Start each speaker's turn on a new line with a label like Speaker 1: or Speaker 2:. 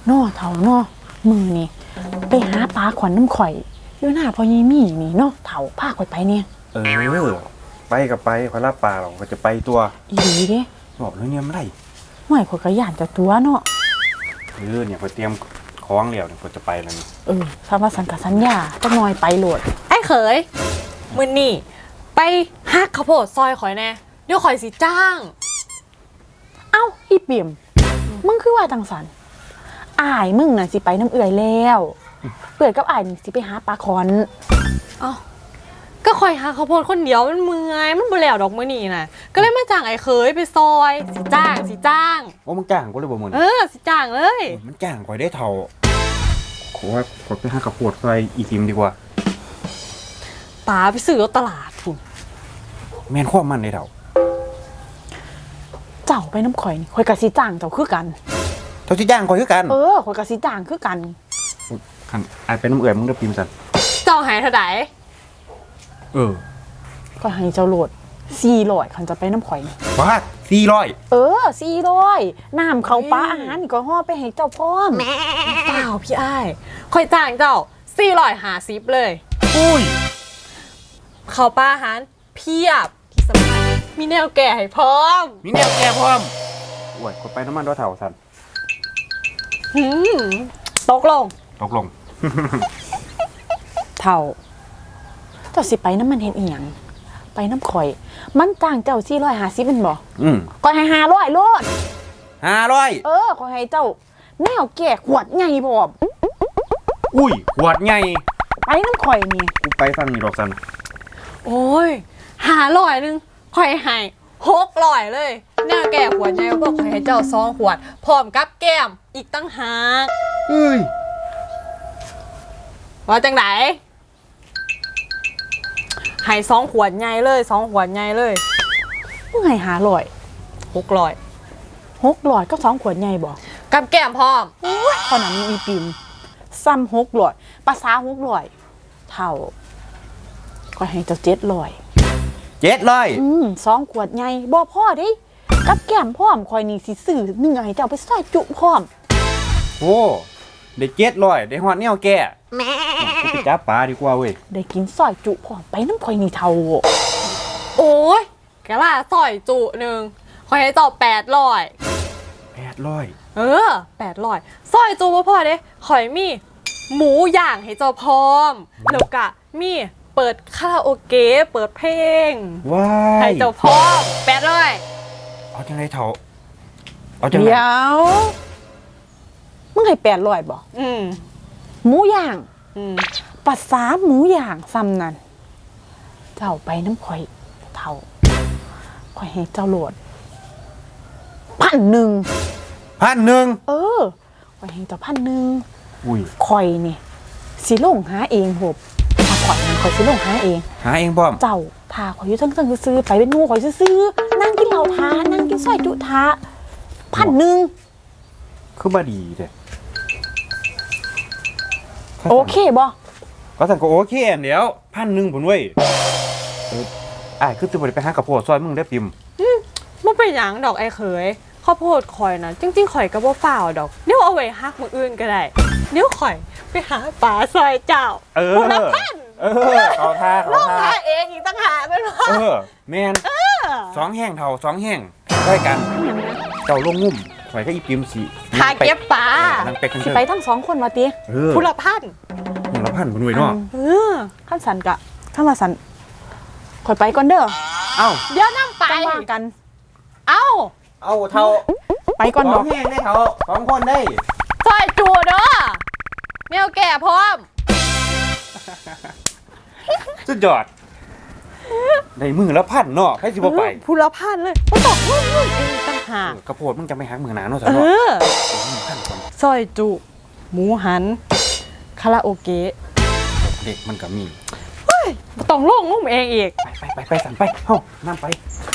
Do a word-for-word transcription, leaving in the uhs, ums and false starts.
Speaker 1: นอเถาเนาะมือนี่ไปหาปลาขวัญน้ำข่อยอยู่หน้าพอยีมี่นี่เนาะเถาพาข่อยไปเนี่ย
Speaker 2: เออไปกับไปคอยรับปลาหรอกก็จะไปตัว
Speaker 1: อีหลีเด้
Speaker 2: บอกเลยเนี่ยไม่ได้
Speaker 1: ห่วยข่อยก็ย่านจะตัวเนาะ
Speaker 2: เออเนี่ยคอยเตรียมคล้องแล้วเนี่ยคอยจะไปแล้วนี่
Speaker 1: เออถ้าว่าสันกับสัญญาจะน้อยไปโหลด
Speaker 3: ไอ้เขยมือนี่ไปฮักข้าวโพดซอยข่อยแน่เดี๋ยวข่อยสิจ้าง
Speaker 1: เอ้าอีเปี่ยมมึงคือว่าจังสันอ้ายมึงน่ะสิไปน้ำเอื่อยแล้วเปื่อยกับอ้ายนี่สิไปหาปลาคอน
Speaker 3: เอ้าก็ข่อยฮักข้าวโพดคนเดียวมันเมื่อยมันบ่แล้วดอกมื้อนี้น่ะก็เลยมาจ้างไอ้เขยไปซอยสิจ้างสิจ้าง
Speaker 2: โอ้มึงจ้างกูเลยบ่มึง
Speaker 3: เออสิจ้างเลย
Speaker 2: มันจ้างคอยได้เท่าขอว่าขอไปหากระโพดซอยอีทิมดีกว่า
Speaker 3: ป๋าไปซื้อตลาดพุ่น
Speaker 2: แม่นความมันได้เท่า
Speaker 1: เจ้าไปน้ำข่อยนี่ข่อยกะสิจ้างเจ้าคือกัน
Speaker 2: เท่าที่จ้างคอยคือกัน
Speaker 1: เออข่อยกะสิจ้างคือกัน
Speaker 2: คันอาจเป็นน้ำเอื่อยมึงได้ปิมสัน
Speaker 3: เจ้าหายเท่าไหร่
Speaker 2: เออ
Speaker 1: ข่อยให้เจ้าโหลดสี่ร้อยคันจะไปน้ำข่อยนี่
Speaker 2: ว้าสี่ร้อย
Speaker 1: เออสี่ร้อยน้ำเขาปลาอาหารนี่ก็ห่อไปให้เจ้าพร้อม
Speaker 3: เปล่าพี่อ้ายข่อยจ้างเจ้าสี่ร้อยห้าสิบเลย
Speaker 2: อุ้ย
Speaker 3: เขาปลาอาหารเพียบที่สำคัญมีแนวแก่ให้พร้อม
Speaker 2: มีแนวแก่พร้อมโอ้ยคนไปน้ำมันด้วยเท่าสัน
Speaker 3: หืมตกลง
Speaker 2: ตกลง
Speaker 1: เท่าเจ้าสิไปน้ำมันเห็นอีหยังไปน้ำข่อยมันจ้างเจ้าสี่ร้อยห้าสิบเป็นบ่
Speaker 2: อืม
Speaker 1: ก็ให้ห้าร้อยโลด
Speaker 2: ห้าร้อย
Speaker 1: เออขอให้เจ้าแนวแก่ขวดใหญ่พร้อม
Speaker 2: อุ้ยขวดใหญ่
Speaker 1: ไปน้ำข่อยนี่
Speaker 2: กูไปฟังนี่ดอกสัน
Speaker 3: โอ้ยหาร้อยนึงข่อยให้หกร้อยเลยแนวแก่ขวดใหญ่ก็ข่อยให้เจ้าสองขวดพร้อมกับแก้มอีกตั้งหาก
Speaker 2: เอ้ย
Speaker 3: ว่าจังไหนให้สองขวดใหญ่เลยสองขวดใหญ่เลย
Speaker 1: มึงให้หาร้อย
Speaker 3: หกร้อย
Speaker 1: หกร้อยก็สองขวดใหญ่บ่
Speaker 3: กับแก้มพร้อม
Speaker 1: พอนั้นมีอีปิมซ้ำหกร้อยภาษาหกร้อยเท่าก็ให้เจ้าเจ็ดร้อย
Speaker 2: เจ็ดร้อย
Speaker 1: อืมสองขวดใหญ่บ่พ่อดิกับแก้มพร้อมคอยนี่สิซื้อเนื้อให้เจ้าไปซอยจุพร้อม
Speaker 2: โอ้ได้เจ็ดร้อยได้ฮอดแนวแก่กูไปจับปลาดีกว่าเว้ย
Speaker 1: ได้กินซอยจุพร้อมไปน้ำคอยนี่เท่า
Speaker 3: โอ้ยกะล่าซอยจุหนึ่งคอยให้เจ้าแปดร้อย
Speaker 2: แปดร้อย
Speaker 3: เออแปดร้อยซอยจุบ่พอเด้ข่อยมีหมูย่างให้เจ้าพร้อมแล้วก็มีเปิดคาราโอเกะเปิดเพลง
Speaker 2: ว้าย
Speaker 3: ให้เจ้าพร้อมแปดร้อย
Speaker 2: เอาจังไรเถาเอาจังไร
Speaker 1: เดี๋ยวมึงให้แปดร้อยบ่
Speaker 3: อืม
Speaker 1: หมูย่าง
Speaker 3: อืม
Speaker 1: ภาษาหมูย่างซ้ำนั่นเจ้าไปน้ำข่อยเท่าข่อยให้เจ้าโหลดพันหนึ่ง
Speaker 2: พันหนึ่ง
Speaker 1: เออข่อยให้เจ้าพันหนึ่ง
Speaker 2: อุ้ย
Speaker 1: ข่อยนี่สิลงหาเองหบถ้าข่อยข่อยสิลงหาเอง
Speaker 2: หาเองพร้อม
Speaker 1: เจ้าทาข่อยอยู่ทั้งๆซื้อไปเป็นงูข่อยซื้อนั่งกินเหล้าทานั่งกินซอยจุทาพันหนึ่ง
Speaker 2: คือบ่ดีเด้
Speaker 1: โอเคบ่
Speaker 2: ก็สั่งก็โอเคอันเดียวพันหนึ่งผลเว้ยเอออ้ายคือจะบ่ได้ไปหากระโพดซอยมึงได้ปิม
Speaker 3: อืมบ่เป็นหยังดอกไอ้เขยข้าวโพดข่อยนะจริงๆข่อยก็บ่ฝ่าวดอกเดี๋ยวเอาไว้ฮักมื้ออื่นก็ได้เดี๋ยวข่อยไปหาปลาซอยเจ้า
Speaker 2: เออคนละพันเออเขาท่าเขา
Speaker 3: ท่าเองอีกตั้งหากเป็นว่า
Speaker 2: เออแม่นสองแห้งเท่าสองแห้งได้กันเจ้าลงงุ่มข่อยก็อีปิมสิ
Speaker 3: หาเก็บปลา
Speaker 1: สิไปทั้งสองคนมาติ
Speaker 3: ผู้ละพัน
Speaker 2: ผู้ละพันบ่หน่วยเนาะ
Speaker 1: เออขั้นสันกะขั้นว่าสันข่อยไปก่อนเด้อ
Speaker 2: เอ้า
Speaker 3: เดี๋ยวนั่งไป
Speaker 1: ว่ากัน
Speaker 3: เอ้า
Speaker 2: เอาเท่า
Speaker 1: ไปก่อนดอก
Speaker 2: แห้งได้เท่าสองคนได้
Speaker 3: ซอยจูเด้อแมวแก่พร้อม
Speaker 2: สุดยอดในมือละพันเนาะให้สิบ่ไป
Speaker 3: ผู้ละพันเลยบ่ตกงุ่มๆเองต่างหาก
Speaker 2: กระโพดมึงจะไม่หักมือหนาเนาะซะ
Speaker 3: เนาะ
Speaker 2: เออ
Speaker 3: ซอยจุหมูหันคาราโอเกะ
Speaker 2: เด็กมันก็มี
Speaker 3: เฮ้ยต้องลงงุ่มเองอีก
Speaker 2: ไปไปไปไปสั่นไปเฮ้านั่งไป